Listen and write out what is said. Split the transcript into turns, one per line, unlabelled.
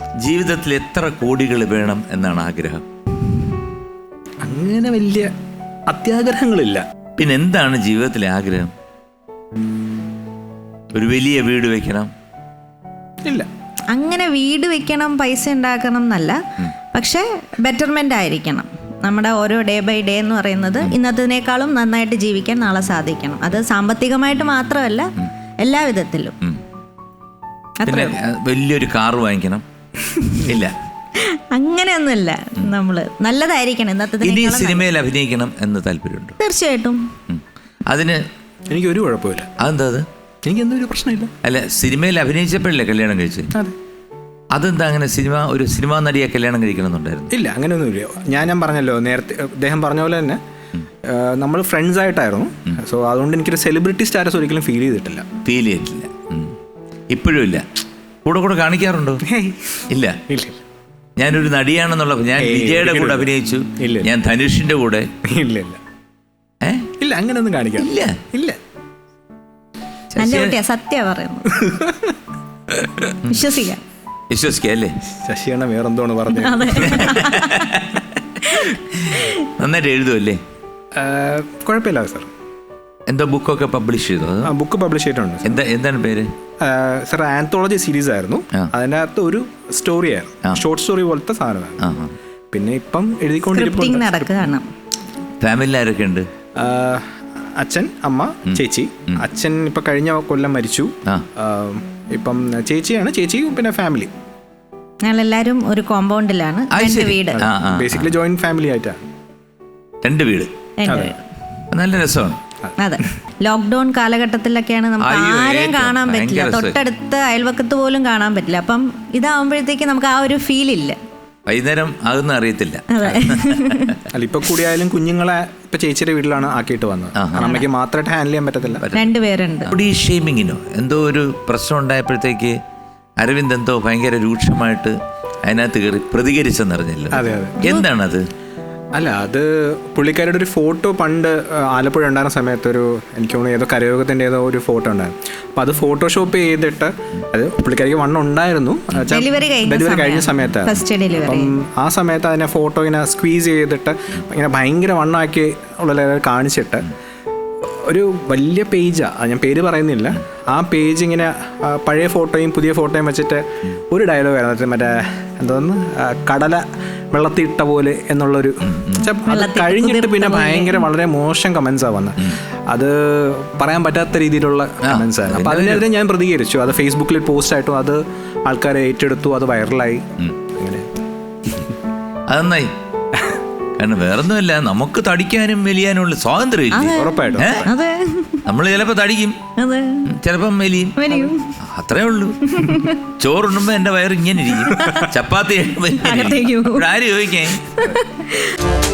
ജീവിതത്തിൽ എത്ര കോടികൾ വേണം എന്നാണ് ആഗ്രഹം?
അങ്ങനെ വലിയ അത്യാഗ്രഹങ്ങളില്ല.
പിന്നെ എന്താണ് ജീവിതത്തിലെ ആഗ്രഹം? ഒരു വലിയ വീട് വെക്കണം?
ഇല്ല,
അങ്ങനെ വീട് വെക്കണം, പൈസ ഉണ്ടാക്കണം എന്നല്ല, പക്ഷെ ബെറ്റർമെന്റ് ആയിരിക്കണം. നമ്മുടെ ഓരോ ഡേ ബൈ ഡേ എന്ന് പറയുന്നത് ഇന്നത്തേക്കാളും നന്നായിട്ട് ജീവിക്കാൻ നാളെ സാധിക്കണം. അത് സാമ്പത്തികമായിട്ട് മാത്രമല്ല, എല്ലാ വിധത്തിലും.
പിന്നെ വലിയൊരു കാറ് വാങ്ങിക്കണം? ഇല്ല,
അങ്ങനെയൊന്നുമില്ല. നമ്മള് നല്ലതായിരിക്കണം.
ഇനി സിനിമയിൽ അഭിനയിക്കണം എന്ന് താല്പര്യമുണ്ടോ?
തീർച്ചയായിട്ടും.
അതിന്
എനിക്കൊരു കുഴപ്പമില്ല.
അതെന്താ? അത്
എനിക്ക് എന്തൊരു പ്രശ്നമില്ല.
അല്ല, സിനിമയിൽ അഭിനയിച്ചപ്പോഴല്ലേ കല്യാണം കഴിച്ചത്? അതെന്താ അങ്ങനെ? ഒരു സിനിമാ നടിയെ കല്യാണം കഴിക്കണമെന്നുണ്ടായിരുന്നു?
ഇല്ല, അങ്ങനെയൊന്നുമില്ല. ഞാൻ പറഞ്ഞല്ലോ നേരത്തെ, അദ്ദേഹം പറഞ്ഞ പോലെ തന്നെ നമ്മൾ ഫ്രണ്ട്സ് ആയിട്ടായിരുന്നു. സോ അതുകൊണ്ട് എനിക്കൊരു സെലിബ്രിറ്റി സ്റ്റാറ്റസ് ഒരിക്കലും ഫീൽ ചെയ്തിട്ടില്ല.
ഇപ്പോഴും ഇല്ല? കൂടെ കാണിക്കാറുണ്ടോ? ഇല്ല. ഞാനൊരു നടിയാണെന്നുള്ള, ഞാൻ വിജയുടെ കൂടെ അഭിനയിച്ചു, ഞാൻ ധനുഷിന്റെ കൂടെ.
ഇല്ല, അങ്ങനെയൊന്നും കാണിക്കാം. ഇല്ല.
നല്ല കുട്ടിയാ, സത്യം പറയുന്നു. വിശ്വസിക്കാം
അല്ലേ?
ശശിയാണ് വേറെന്തോന്ന് പറഞ്ഞത്.
നന്നായിട്ട് എഴുതുമല്ലേ?
കുഴപ്പമില്ല സാർ.
എന്തോ ബുക്കൊക്കെ പബ്ലിഷ് ചെയ്തോ?
ബുക്ക് പബ്ലിഷ് ചെയ്തിട്ടുണ്ട്.
എന്താണ് പേര്?
സാർ ആന്തോളജി സീരീസ് ആയിരുന്നു. അതിനകത്ത് ഒരു സ്റ്റോറി ആയിരുന്നു, ഷോർട്ട് സ്റ്റോറി പോലത്തെ സാധനമാണ്. പിന്നെ ഇപ്പം എഴുതിക്കൊണ്ടിരിക്കുന്നു.
ഫാമിലി ആരൊക്കെ ഉണ്ട്?
അച്ഛൻ, അമ്മ, ചേച്ചി. അച്ഛൻ ഇപ്പൊ കഴിഞ്ഞ കൊല്ലം മരിച്ചു. ഇപ്പം ചേച്ചിയാണ്. ചേച്ചി പിന്നെ ഫാമിലി.
ഞങ്ങളെല്ലാരും ഒരു കോമ്പൗണ്ടിലാണ്. വീട്
ബേസിക്കലി ജോയിന്റ് ഫാമിലി ആയിട്ടാണ്.
2 വീട്. നല്ല രസമാണ്.
അതെ, ലോക്ക്ഡൌൺ കാലഘട്ടത്തിലൊക്കെയാണ് നമുക്ക് ആരെയും കാണാൻ പറ്റില്ല, തൊട്ടടുത്ത് അയൽവക്കത്ത് പോലും കാണാൻ പറ്റില്ല. അപ്പം ഇതാവുമ്പോഴത്തേക്ക് നമുക്ക് ആ ഒരു ഫീൽ ഇല്ല.
വൈകുന്നേരം ആകുന്ന അറിയത്തില്ല.
അല്ല, ഇപ്പൊ കൂടിയായാലും കുഞ്ഞുങ്ങളെ ഇപ്പൊ ചേച്ചിയുടെ വീട്ടിലാണ് ആക്കിയിട്ട് വന്നത്. അമ്മയ്ക്ക് മാത്രമായിട്ട് ഹാൻഡിൽ ചെയ്യാൻ പറ്റത്തില്ല.
2 പേരുണ്ട്.
ഷെയ്മിങ്ങിനോ എന്തോ ഒരു പ്രശ്നം ഉണ്ടായപ്പോഴത്തേക്ക് അരവിന്ദ് എന്തോ ഭയങ്കര രൂക്ഷമായിട്ട് അതിനകത്ത് കയറി പ്രതികരിച്ചെന്നറിഞ്ഞല്ലോ. എന്താണത്?
അല്ല, അത് പുള്ളിക്കാരുടെ ഒരു ഫോട്ടോ പണ്ട് ആലപ്പുഴ ഉണ്ടായിരുന്ന സമയത്ത് എനിക്ക് തോന്നുന്നു ഏതോ കരയോഗത്തിൻ്റെ ഏതോ ഒരു ഫോട്ടോ ഉണ്ടായിരുന്നു. അപ്പോൾ അത് ഫോട്ടോഷോപ്പ് ചെയ്തിട്ട്, അത് പുള്ളിക്കാരിക്ക് വണ്ണം ഉണ്ടായിരുന്നു, ഡെലിവറി കഴിഞ്ഞ സമയത്താണ്. അപ്പം ആ സമയത്ത് അതിനെ ഫോട്ടോ ഇങ്ങനെ സ്ക്വീസ് ചെയ്തിട്ട് ഇങ്ങനെ ഭയങ്കര വണ്ണമാക്കി ഉള്ള കാണിച്ചിട്ട് ഒരു വലിയ പേജാണ്, ഞാൻ പേര് പറയുന്നില്ല, ആ പേജ് ഇങ്ങനെ പഴയ ഫോട്ടോയും പുതിയ ഫോട്ടോയും വെച്ചിട്ട് ഒരു ഡയലോഗ് ആയിരുന്നു, മറ്റേ എന്തോന്ന്, കടല വെള്ളത്തിട്ട പോലെ എന്നുള്ളൊരു. അത് കഴിഞ്ഞിട്ട് പിന്നെ ഭയങ്കര വളരെ മോശം കമൻസാണ് വന്നത്. അത് പറയാൻ പറ്റാത്ത രീതിയിലുള്ള കമൻസ് ആയിരുന്നു. അപ്പം അതിനെതിരെ ഞാൻ പ്രതികരിച്ചു. അത് ഫേസ്ബുക്കിൽ പോസ്റ്റ് ആയിട്ടും അത് ആൾക്കാർ ഏറ്റെടുത്തു, അത് വൈറലായി. അങ്ങനെ
അതെന്നായി. കാരണം വേറൊന്നുമില്ല, നമുക്ക് തടിക്കാനും മെലിയാനുള്ള സ്വാതന്ത്ര്യം.
ഉറപ്പായിട്ടും
നമ്മൾ ചിലപ്പോ തടിക്കും, ചിലപ്പം മെലിയും, അത്രേ ഉള്ളൂ. ചോറുണ്ണുമ്പോ എന്റെ വയറ് ഇങ്ങനെ ഇരിക്കും, ചപ്പാത്തി ആര് ചോദിക്കാൻ.